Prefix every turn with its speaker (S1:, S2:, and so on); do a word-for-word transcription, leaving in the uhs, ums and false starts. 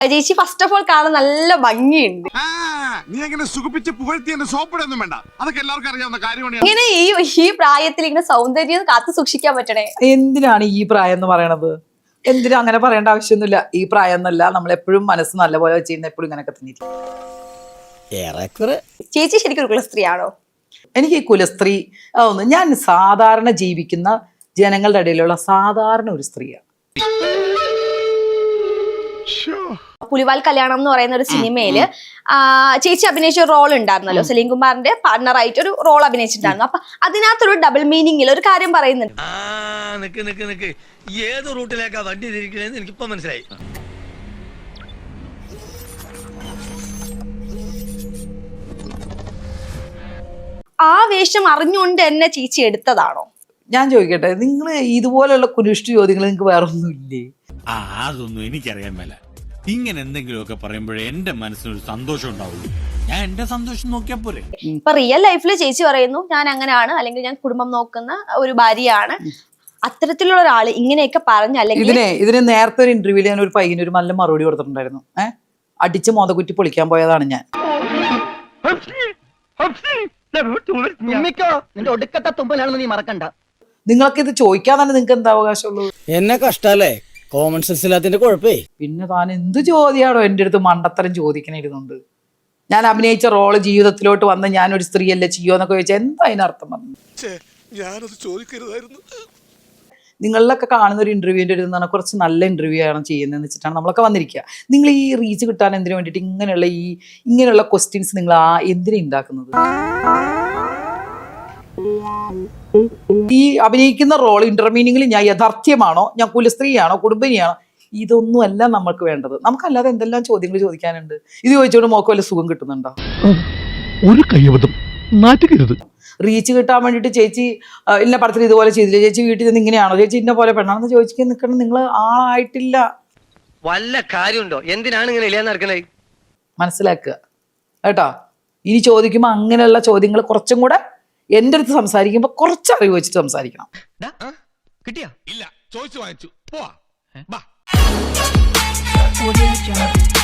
S1: ചേച്ചി first of all കാണാൻ നല്ല ഭംഗിയുണ്ട്.
S2: നീ അങ്ങനെ സുഖിപ്പിച്ച് പുകഴ്ത്തി എന്നെ സോപ്പിടൊന്നും വേണ്ട, അതൊക്കെ എല്ലാവർക്കും അറിയാവുന്ന കാര്യമാണ്.
S1: ഇങ്ങനെ ഈ ഈ പ്രായത്തിൽ ഇങ്ങനെ സൗന്ദര്യം കാത്തു സൂക്ഷിക്കാൻ പറ്റണേ.
S3: എന്തിനാണ് ഈ പ്രായം എന്ന് പറയണത്? എന്തിനാ അങ്ങനെ പറയേണ്ട ആവശ്യമൊന്നുമില്ല. ഈ പ്രായം എന്നല്ല, നമ്മൾ എപ്പോഴും മനസ്സ് നല്ലപോലെ ചെയ്യുന്ന എപ്പോഴും ഇങ്ങനെയൊക്കെ തന്നെ.
S1: ചേച്ചി ശരിക്കും ഒരു കുലസ്ത്രീയാണോ?
S3: എനിക്ക് ഈ കുലസ്ത്രീ ഒന്ന്, ഞാൻ സാധാരണ ജീവിക്കുന്ന ജനങ്ങളുടെ ഇടയിലുള്ള സാധാരണ ഒരു സ്ത്രീയാണ്.
S1: പുലിവാൽ കല്യാണം എന്ന് പറയുന്ന ഒരു സിനിമയില് ചേച്ചി അഭിനയിച്ച റോൾ ഉണ്ടായിരുന്നല്ലോ, സലീം കുമാറിന്റെ പാർട്ണറായിട്ട് ഒരു റോൾ അഭിനയിച്ചിട്ടുണ്ടായിരുന്നു. അപ്പൊ അതിനകത്തൊരു ഡബിൾ മീനിങ്ങിൽ ഒരു കാര്യം പറയുന്നുണ്ട്.
S4: ഏത് റൂട്ടിലേക്കാ വണ്ടി തിരിക്കണേന്ന് എനിക്കിപ്പോ മനസ്സിലായി.
S1: ആ വേഷം അറിഞ്ഞുകൊണ്ട് എന്നെ ചേച്ചി എടുത്തതാണോ?
S3: ഞാൻ ചോദിക്കട്ടെ, നിങ്ങൾ ഇതുപോലെയുള്ള കുരിഷ്ടു ചോദ്യങ്ങൾ നിങ്ങൾക്ക് വേറെ ഒന്നുമില്ലേ?
S5: ആ അതൊന്നും എനിക്കറിയാൻ മേല. ഇങ്ങനെ എന്തെങ്കിലുമൊക്കെ പറയുമ്പോഴേ എന്റെ മനസ്സിനൊരു സന്തോഷം ഉണ്ടാവുള്ളൂ. ഞാൻ എന്റെ സന്തോഷം നോക്കിയാ പോരെ.
S1: ഇപ്പൊ റിയൽ ലൈഫിൽ ചേച്ചി പറയുന്നു ഞാൻ അങ്ങനെയാണ്, അല്ലെങ്കിൽ ഞാൻ കുടുംബം നോക്കുന്ന ഒരു ഭാര്യയാണ്. അത്തരത്തിലുള്ള ഒരാള് ഇങ്ങനെയൊക്കെ പറഞ്ഞ, അല്ലെങ്കിൽ
S3: ഇതിനെ ഇതിന് നേരത്തെ ഒരു ഇന്റർവ്യൂല് ഞാൻ ഒരു പയ്യന് ഒരു നല്ല മറുപടി കൊടുത്തിട്ടുണ്ടായിരുന്നു. ഏഹ് അടിച്ച് മോതകുറ്റി പൊളിക്കാൻ പോയതാണ് ഞാൻ. നിങ്ങൾക്ക് ഇത് ചോദിക്കാൻ തന്നെ നിങ്ങൾക്ക് എന്താ അവകാശമുള്ളൂ?
S6: എന്നെ കഷ്ടല്ലേ, കോമൺ സെൻസ് ഇല്ലാത്തതിന്റെ കുഴപ്പേ.
S3: പിന്നെ താൻ എന്ത് ചോദ്യാണോ എന്റെ അടുത്ത് മണ്ടത്തരം ചോദിക്കണിരുന്നുണ്ട്? ഞാൻ അഭിനയിച്ച റോള് ജീവിതത്തിലോട്ട് വന്ന് ഞാനൊരു സ്ത്രീയല്ലേ ചെയ്യോന്നൊക്കെ ചോദിച്ചാൽ എന്താ അതിനർത്ഥം പറഞ്ഞു?
S2: ഞാനത് ചോദിക്കരുതായിരുന്നു.
S3: നിങ്ങളിലൊക്കെ കാണുന്ന ഒരു ഇന്റർവ്യൂവിൻ്റെ ഒരു പറഞ്ഞാൽ കുറച്ച് നല്ല ഇന്റർവ്യൂ ആണ് ചെയ്യുന്നതെന്ന് വെച്ചിട്ടാണ് നമ്മളൊക്കെ വന്നിരിക്കുക. നിങ്ങൾ ഈ റീച്ച് കിട്ടാൻ എന്തിനു വേണ്ടിയിട്ട് ഇങ്ങനെയുള്ള ഈ ഇങ്ങനെയുള്ള ക്വസ്റ്റ്യൻസ് നിങ്ങൾ ആ എന്തിനാ ഉണ്ടാക്കുന്നത്? ഈ അഭിനയിക്കുന്ന റോൾ ഇന്റർമീനിങ്ങിൽ ഞാൻ യഥാർത്ഥ്യമാണോ, ഞാൻ കുലസ്ത്രീയാണോ, കുടുംബിനിയാണോ, ഇതൊന്നും അല്ല നമ്മൾക്ക് വേണ്ടത്. നമുക്കല്ലാതെ എന്തെല്ലാം ചോദ്യങ്ങൾ ചോദിക്കാനുണ്ട്. ഇത് ചോദിച്ചോണ്ട് മോക്ക് വല്ല സുഖം കിട്ടുന്നുണ്ടോ?
S7: ഒരു കയ്യബദ്ധം നാറ്റുകരുത്.
S3: റീച്ച് കിട്ടാൻ വേണ്ടിയിട്ട് ചേച്ചി ഇന്ന പടത്തിൽ ഇതുപോലെ ചെയ്തില്ല, ചേച്ചി വീട്ടിൽ നിന്ന് ഇങ്ങനെയാണോ, ചേച്ചി ഇന്ന പോലെ പെണ്ണാണെന്ന് ചോദിക്കാൻ നിൽക്കണം. നിങ്ങൾ ആളായിട്ടില്ല.
S4: വല്ല കാര്യമുണ്ടോ? എന്തിനാണ് ഇങ്ങനെ ഇല്ലാന്ന് നടക്കണേ?
S3: മനസ്സിലാക്കുക കേട്ടോ. ഇനി ചോദിക്കുമ്പോൾ അങ്ങനെയുള്ള ചോദ്യങ്ങൾ കുറച്ചും കൂടെ എൻ്റെ അടുത്ത് സംസാരിക്കുമ്പോൾ കുറച്ച് അറിവ് വെച്ചിട്ട് സംസാരിക്കണം.
S4: കിട്ടിയാ?
S2: ഇല്ല, ചോദിച്ചു വാങ്ങിച്ചു പോവാ.